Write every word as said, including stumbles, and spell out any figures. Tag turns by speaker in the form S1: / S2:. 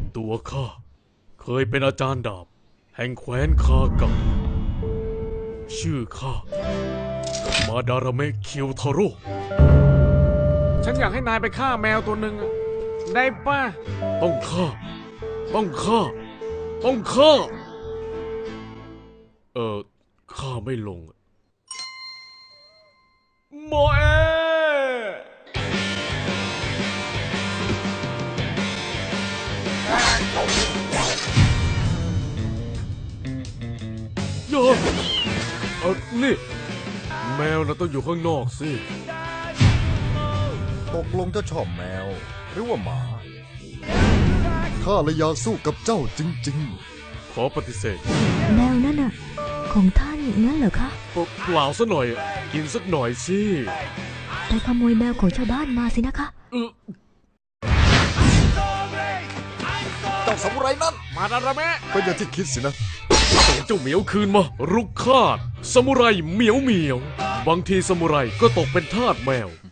S1: ตัวข้าเคยเป็นอาจารย์ดาบแห่งแคว้นคากังชื่อข้ามาดาราเมะเคียวทาโร่ฉันอยากให้นายไปฆ่าแมวตัวหนึ่งได้ป่ะต้องฆ่าต้องฆ่าต้องฆ่าเออฆ่าไม่ลงโมเอโยเออนี่แมวน่ะต้องอยู่ข้างนอกสิ
S2: ตกลงจะชอบแมวหรือว่าหมาข้าเลยอยากสู้กับเจ้าจริง
S1: ๆขอปฏิเสธ
S3: แมวนั่นน่ะของท่านงั้นเหรอคะ
S1: เปล่าซะหน่อยกินสักหน่อยสิ
S3: ไปขโมยแมวของชาวบ้านมาสินะคะ
S2: เจ้าสมุไรนั่น
S1: มาดาราเมะ
S2: เป็นอย่างที่คิดสินะ
S1: ส่งเจ้าเหมียวคืนมารุกคาดสมุไรเหมียวเหมียวบางทีสมุไรก็ตกเป็นทาสแมว